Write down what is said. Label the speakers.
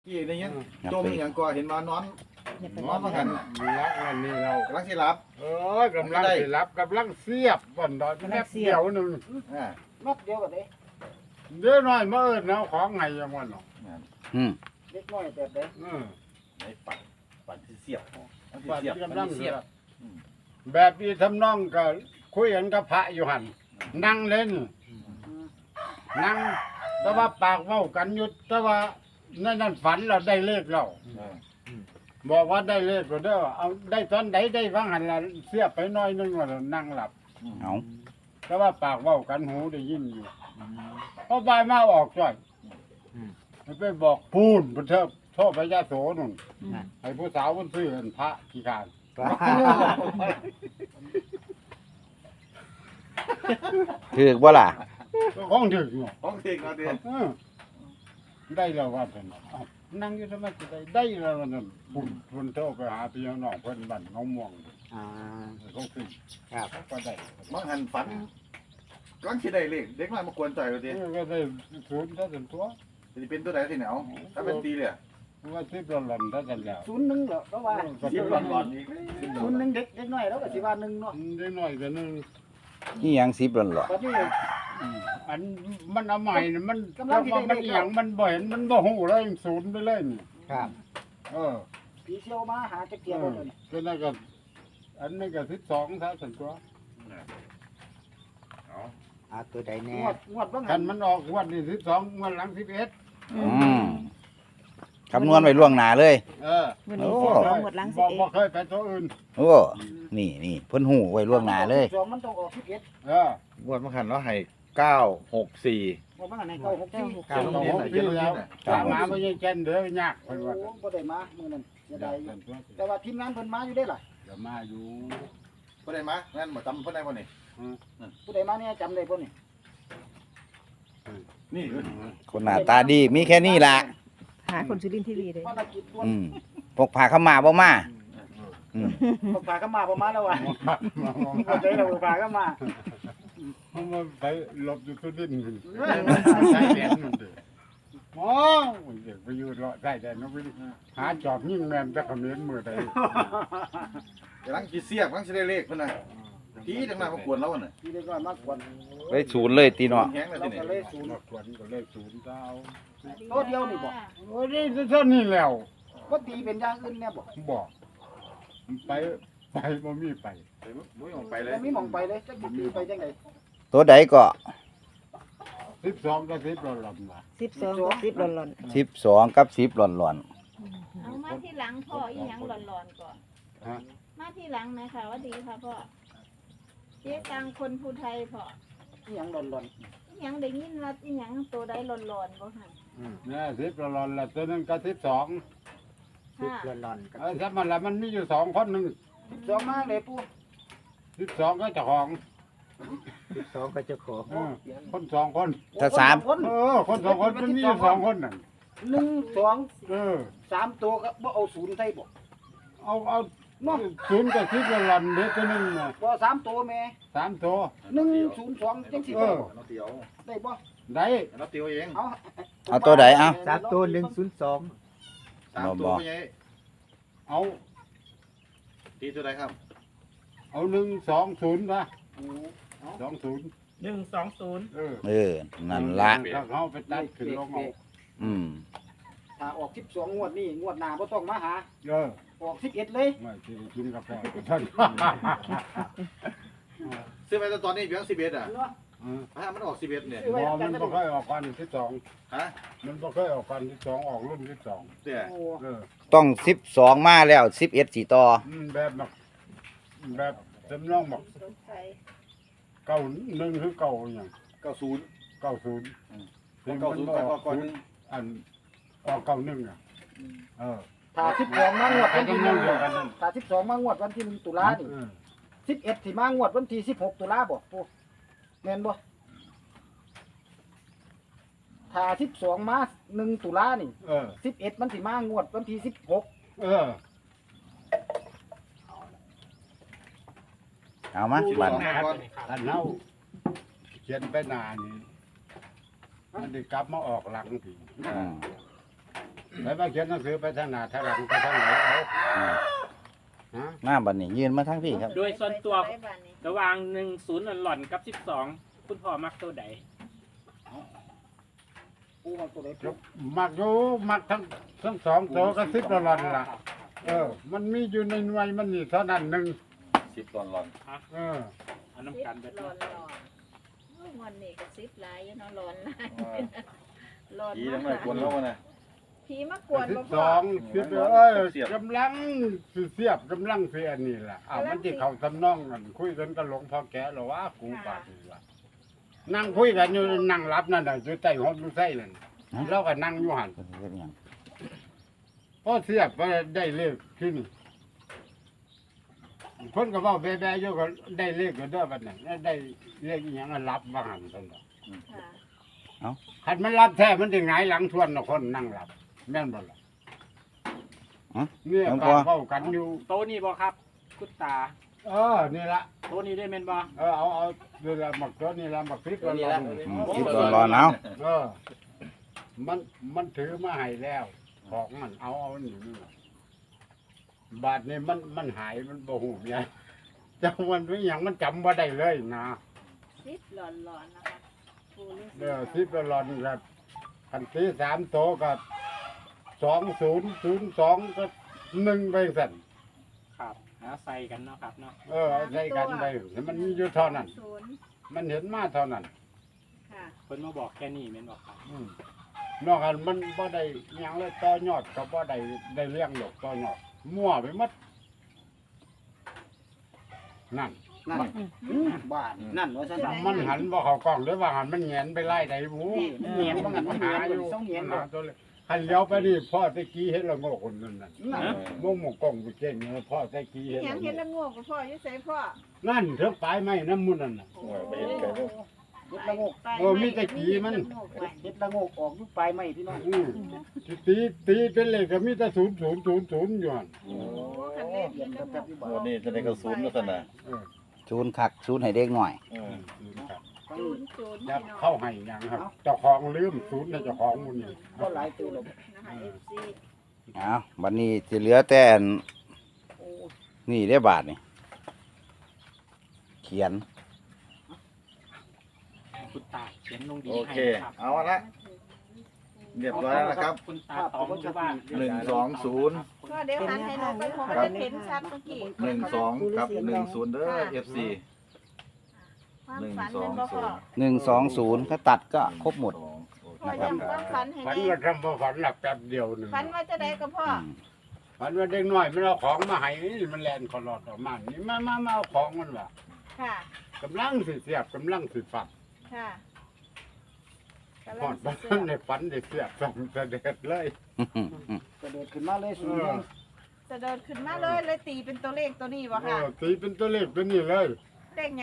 Speaker 1: กี่ในยังจมอย่างก่อเห็นว่านอนมาหัน
Speaker 2: รักวันนี้เรา
Speaker 1: กำลังสิรับ
Speaker 2: กำลังสิรับกำลังเสียบบ่อนดอนแป๊บเดียวหนึง
Speaker 1: อ่า
Speaker 3: นัดเดียวกันเลย
Speaker 2: เดี๋ยวน้อยมาเอิ้นเอาของไงยังวันเนาะ
Speaker 3: เล็กน้อยแบบเด้
Speaker 1: ในปั่นที่เสียบ
Speaker 2: ปัด
Speaker 1: เสียบ
Speaker 2: กำลัง
Speaker 1: เสี
Speaker 2: เสี
Speaker 1: ย
Speaker 2: ย
Speaker 1: บบ
Speaker 2: แบบนี้ทำนองก็คุยกันกับพระอยู่หั่นนั่งเล่นนั่งแต่ว่าปากเว้ากันอยู่แต่ว่านั่นฝันเราได้เลขแล้วบอกว่าได้เลขก็เด้อเอาได้ตอนใดได้ฟังหันละเสียบไปหน้อยนึงว่านั่งหลับ
Speaker 4: เอา
Speaker 2: แต่ว่าปากเว้ากันหูได้ยินอยู่พอบ่ายมาออกจ่อยไปบอกพูนบนเทิบโทษพระยาโสนุ่นให้ผู้สาวคนซื้อเห็นพระกี่การ
Speaker 4: ถือว่าล่ะ
Speaker 2: ก็ของถึงอยู่
Speaker 1: ห้องเด็กเราเดียว
Speaker 2: เออได้แล้วว่าเป็นเอ้านั่งอยู่ทำไมจะได้แล้วนั่นปุ่นโทษไปหาพี่น้องเพิ่นบ้านน้องม่วงเขาขึ้นครับก็ได้
Speaker 1: มังหันฝันกำลังคิดได้เลขเด็กน้อยมากวนใจเราเดียว
Speaker 2: ก็ได้ศูนย์ถ้าเป็นตัว
Speaker 1: จะเป็นตัวไหนที่ไหนเอาถ้าเป็นตีเลย
Speaker 2: ว่าที่ประหลอนถ้ากันแล้ว
Speaker 3: 01เหรอเพราะว่า
Speaker 1: เสียบหลอนอีก
Speaker 3: 01เด็กน้อยแล้วก็สิว่า1เนาะ
Speaker 2: ได้น้อยกันนึง
Speaker 4: นี่ยัง10หล่นหรอ
Speaker 3: บัดนี้
Speaker 2: อันมันเอาใหม่น่ะมัน
Speaker 3: กำลังสิได้
Speaker 2: มันอหย่างมันบ่เห็นมันบ่ฮู้เลยศูนย์ไปเลยนี่
Speaker 5: ครับ
Speaker 2: เออ
Speaker 3: ผีเชี่ยวมาหาจักเกียบ่นี่
Speaker 2: ก็นั่นก็อันนี้ก็12ถ้าสันตัว
Speaker 5: เอาตัวใดแน่
Speaker 3: งวดบ้าง
Speaker 2: คันมันออกงวันนี้12งวดหลัง11
Speaker 4: อืมคำนวณไว้ล่วงหน้าเลย
Speaker 2: เออ
Speaker 6: วันนี้
Speaker 4: โอ้
Speaker 6: หมดหลัง
Speaker 2: บ่
Speaker 6: 11
Speaker 2: บ่เคยไปตัวอื่น
Speaker 4: โอ้นี่เพิ่นหูไว้ล่วงหน้าเลย
Speaker 3: มันต้องออก11
Speaker 2: เออ
Speaker 1: งวดมังหันเราให้964
Speaker 3: บ่บ้างอันไหนเก้า6 4
Speaker 2: เก้าสองหกปีแล้วตามหาบ่ยังแก่นเด้อยาก
Speaker 3: โอ้
Speaker 2: เพิ่นว่า
Speaker 3: บ่ได้มามื้อนั้นเสียดายอยู่แต่ว่าทีมงานเพิ่นมาอยู่ได้ล่ะ
Speaker 2: เดี๋ยวมาอยู่
Speaker 1: ผู้ใดมางั้นมาจำผู้ใดบ่นี่
Speaker 3: ผู้ใดมาเนี่ยจำได้บ่นี่
Speaker 1: นี่
Speaker 4: คนหน้าตาดีมีแค่นี้ล่ะ
Speaker 6: หาคนสุรินทร์ทีวีเลย
Speaker 3: ภารกิจด่วน
Speaker 4: อืมพกผ้าเข้ามาบ่มาอืม
Speaker 3: พาก็มาประมาณแล้วว่ะบ่ใจเราพาก็มา
Speaker 2: มันมาไปหลบอยู่ที่ดินมันใช้แดนมันเด้อโอ้ยเด็กไปอยู่รอได้แต่นกไปหาจอบยิงแม่นแต่เขมิ้นมือใด
Speaker 1: กำลังคิดเสียบกำลังสิได้เลขเพิ่นน่ะทีจังหน้ามากวนเราน่ะ
Speaker 3: ทีเล็กน้อยมากกว่า
Speaker 4: ไว้ศูนย์เลยตีเนาะ
Speaker 1: แห้งเลย
Speaker 3: เรา
Speaker 1: ที
Speaker 3: ก็
Speaker 1: นี้
Speaker 3: เลยศูนย์
Speaker 2: นกขวัญก็เลยศูนย์เก้า
Speaker 3: ตัวเดียวนี่บ่
Speaker 2: โอ้ยนี่เท่านี้แล้ว
Speaker 3: บ่ตีเป็นอย่างอื่นแน่บ่
Speaker 2: บอกไปบ่มีไป
Speaker 1: มุ้ยออกไปเลย
Speaker 3: บ่มีหม่องไปเลยจักสิตีไปจังได๋
Speaker 4: ตัวใดก็
Speaker 2: 12ก็10เราลำละ
Speaker 6: 12กับ10หล่น
Speaker 4: 12กับ10หล่น
Speaker 7: เอามาที่หลังพ่ออีหยังหลอนๆก่อน
Speaker 2: ฮะ
Speaker 7: มาที่หลังนะคะว่าดีค่ะพ่อเจ๊ตังคนผู้ไทยพ่อ
Speaker 3: อีหยังหล่น
Speaker 7: อีหยังได้ยินว่าอีหยังตัวใดหลอนๆบ่ค่ะ
Speaker 2: เนี่ย10เราลำละตัวนึงก็12
Speaker 5: สิบ
Speaker 7: ค่ะ
Speaker 5: หล่อนๆกับ
Speaker 2: ถ้ามันละมันมีอยู่2คนนึง
Speaker 3: ๆ2มาเลยปู่
Speaker 2: 12ก็เจ้าของ
Speaker 5: 12ก็เจ้าของ
Speaker 2: คน2คน
Speaker 4: ถ้าสาม
Speaker 3: คน
Speaker 2: คน2คนมันมีอยู่2คนนั่น
Speaker 3: 1 2
Speaker 2: เออ
Speaker 3: 3ตัวก็บ่เอาศูนย์ใส่บ่
Speaker 2: เอาศูนย์กับ10เราลำเด็กตัวนึงน่ะ
Speaker 3: บ่3ตัวแม่
Speaker 2: 3ตัว
Speaker 3: 102จังสิได้บ่
Speaker 1: เราเตียว
Speaker 3: ได้บ่
Speaker 2: ได้
Speaker 1: เราเตียวเอง
Speaker 3: เอา
Speaker 4: เอาตัวใดเอา
Speaker 5: 3ตัว102
Speaker 1: 3ตัวบ่ใหญ่
Speaker 2: เอา
Speaker 1: ตีตัวใดครับ
Speaker 2: เอา120นะ20
Speaker 5: 120
Speaker 2: เออ
Speaker 4: นั่นละ
Speaker 2: ถ้าเขาไปตัดขึ้นลงเอา
Speaker 4: อืม
Speaker 3: ถ้าออก12งวดนี้งวดหน้าบ่ต้องมาหา
Speaker 2: เออ
Speaker 3: ออก11เลย
Speaker 2: ไม่สิกินกาแฟท่าน
Speaker 1: ซื้อไปตอนนี้เพียง11อ่ะ
Speaker 3: เนาะ
Speaker 1: ถ้ามันออก11เนี่ย
Speaker 2: บอมันบ่เคยออกกันที่สอง
Speaker 1: ฮะ
Speaker 2: มันบ่เคยออกกันที่สองออกรุ่นที่สอง
Speaker 1: เตี้ย
Speaker 3: โอ้
Speaker 2: เออ
Speaker 4: ต้อง12มาแล้ว11สิต่อ
Speaker 2: แบบแบบจำลองบอกเก้าหนึ่งคือเก้าอย่าง
Speaker 1: 90
Speaker 2: 90
Speaker 1: 90ก่อนนึง
Speaker 2: อันออกเก้าหนึ่งอ่ะเออ
Speaker 3: ถ้า12มางวดวันที่
Speaker 2: เดียวกันนั่น
Speaker 3: ถ้า12มางวดวันที่1ตุลานี่
Speaker 2: เออ
Speaker 3: 11สิมางวดวันที่16ตุลาบ่ปู่แม่นบ่ถ้า12มา1ตุลานี่
Speaker 2: เออ
Speaker 3: 11มันสิมางวดวันที่16
Speaker 2: เออ
Speaker 4: เอามาบัด
Speaker 2: อันเฮาเขียนไปหน้านี่มันได้กลับมาออกหลังที
Speaker 4: อืม
Speaker 2: ไปมาเขียนหนังสือไปทางหน้าทางหลังไปทางไหนเอาฮะ
Speaker 4: มาบัดนี้ยืนมาทั้งพี่ครับ
Speaker 8: โดยส่วนตัว
Speaker 7: ไปบ้านนี้
Speaker 8: ระหว่าง10หล่อนๆกับ12คุณพ่อมักตัวใด
Speaker 3: ปูมาตัวไหน
Speaker 2: ครับมักอยู่มักทั้งสองตัวก็10ละล่ะมันมีอยู่ในหน่วยมันนี่เท่านั้นหนึง
Speaker 1: 10ตอนหลอน
Speaker 2: เออ
Speaker 8: เอาน้ำกันเบิด
Speaker 7: ร้อ
Speaker 8: เนาะ
Speaker 7: นโอ้ยวันนี้ก็ซิบหลายอยู่เนาะร้อนหลายร้อน
Speaker 1: ผี
Speaker 7: มา
Speaker 1: ทั้งนั้นกวนแล้ววะน่ะ
Speaker 7: ผีมากวนบ่
Speaker 2: ส
Speaker 7: พ่อ
Speaker 2: องกำลังสิเสียบกำลังสิอันนี้ล่ะมันสิเข้าทำนองกันคุยกันกับหลวงพ่อแก่หรอว่ากูบาดนี่ล่ะนั่งคุยกันอยู่นั่งรับนั่นน่ะอยู่ใต้ห้องอยู่ไส้นั่นเราก็นั่งอยู่หั่น
Speaker 4: เฮ็ดหยัง
Speaker 2: พอเสียบก็ได้เลขที่นี่เพิ่นก็เว้าแบ่ๆอยู่ก็ได้เลขก็เด้อบัดนั้นได้เลขอีหยังก็รับว่าหั่นซั่นน่ะ
Speaker 7: ค่ะ
Speaker 2: คันมันรับแท้มันสิหงายหลังทวนน่ะคนนั่งรับแม่นบ่ล่ะเนี่ยการเว้ากันอยู่
Speaker 8: โตะนี่บ่ครับคุณตา
Speaker 2: นี่ละ
Speaker 8: โตะนี่ได้แม่นบ่
Speaker 2: เอาเดี๋ยวละหมักตัวนี่ละหมักพริกละลอง
Speaker 4: คิดร้อนๆเอา
Speaker 2: มันถือมาให้แล้ว ของมันเอานี่บาทนี่มันหายมันบ่หูเนี่ยจังวันเป็นอย่างมันจำว่าได้เลยนะ
Speaker 7: ซิบร้อนๆนะคะปูฤาษี
Speaker 2: ทิพย์ละลอนกับคันที่3โตวก็2002ก็1ไปสั่น
Speaker 8: ครับหาใส่กันเนาะครับเนาะ
Speaker 2: เอาใส่กันไปมันมีอยู่เท่านั้น
Speaker 7: ศูนย์
Speaker 2: มันเห็นมาเท่านั้น
Speaker 7: ค่ะ
Speaker 8: เพิ่นมาบอกแค่นี้แม่นบ่ครับ
Speaker 2: นอกจากมันบ่ได้หยังเลยต่อยอดก็บ่ได้เลี้ยงดอกต่อยอดมั่วไปหมดนั่น
Speaker 3: นั่นบ้านนั่นว่าซั่น
Speaker 2: มันหันบ่เข้ากล้องหรือว่าหันมันแหงนไปไล่ใดหมู
Speaker 3: นี่แหงนบ่งั้นมัน
Speaker 2: หา
Speaker 3: หา
Speaker 2: อ
Speaker 3: อยู่ ยู่ต้องแหงนบ่
Speaker 2: หาตัวเลยคันเลี้ยวไปนี่พ่อตะกี้เฮ็ดละโงกคนนั้นน่ะ
Speaker 3: นั่น
Speaker 2: มงหมกกล้องไปเก่งเนี่ยพ่อตะกี้เฮ็ด
Speaker 7: หยัง
Speaker 2: ละ
Speaker 7: เห็น
Speaker 2: โง
Speaker 7: ละ
Speaker 2: ก
Speaker 7: โงกกับพ่ออยู่ไสพ่อ
Speaker 2: นั่นเถอะปลายไม้น้ำมุนนั่นน่ะ
Speaker 1: โอ้ยไปเห็นไกลเด้อ
Speaker 3: เฮ็ดละโงก
Speaker 2: มีแต่ขี้มัน
Speaker 3: เฮ็ดละโงกออกอยู่ปลายไม้พี่น้อง
Speaker 2: ตีเป็นเลขก็มีแต่0000อยู่หั่น
Speaker 7: โอ้คันเล่นเห็นละโงก
Speaker 1: โอ้นี่จะได้กระสุนแล้วซั่นน่ะ
Speaker 2: เออ
Speaker 4: ศูนย์คักศูนย์ให้เด็กหน่อย
Speaker 2: ครับ
Speaker 7: ศูนย์ศูนย์
Speaker 2: จะ
Speaker 7: พี่น้อง
Speaker 2: เข้าให้หยังครับเจ้าของลืมศูนย์ให้เจ้าของมันนี่
Speaker 3: ก็หลายตัวแล้ว
Speaker 7: นะคะ FC
Speaker 4: เอาบัดนี้สิเหลือแต่อันนี่ได้บาทนี่เขียน
Speaker 8: คุณตาเขียนลงดี
Speaker 1: โอ
Speaker 8: ให้
Speaker 1: เค
Speaker 8: ครับ
Speaker 1: เอาละเรียบร้อยแล้วนะครับ
Speaker 8: คุณตาตองอยู่บ้าน
Speaker 1: 120
Speaker 7: ก็เดี๋ยวหันให้หนูไปผมจะเห็นชัดเมื่อกี้
Speaker 1: 12กับ10เด้อ FC
Speaker 7: ความฝันเป็นบ่พ่อ
Speaker 4: 120ก็ตัดก็ครบหมด
Speaker 7: พ่อยังความฝันให้
Speaker 2: ฝัน
Speaker 7: แน่
Speaker 2: ว่าทำบ่ฝันหลับแป๊บเดียวหนึง
Speaker 7: ฝันว่าจะได้กับพ่อ
Speaker 2: ฝันว่าเด็กน้อยมันเอาของมาให้นี่มันแล่นคอลอดออกมานี่มาเอาของมันว่ะ
Speaker 7: ค่ะ
Speaker 2: กำลังสิเสียบกำลังสิฝัก
Speaker 7: ค่ะกำ
Speaker 2: พ
Speaker 7: ลั
Speaker 2: อง ด
Speaker 7: สิ
Speaker 2: บ้า
Speaker 7: เสื้
Speaker 2: นในฝันได้เสียบส่งเสด็จเลย
Speaker 3: กระโดดขึ้นมาเลยสูงแรง
Speaker 7: จะเดินขึ้นมาเลยเลยตีเป็นตัวเลขตัวนี้บ่ค่ะ
Speaker 2: ตีเป็นตัวเลขตัวนี้เลย
Speaker 7: เลข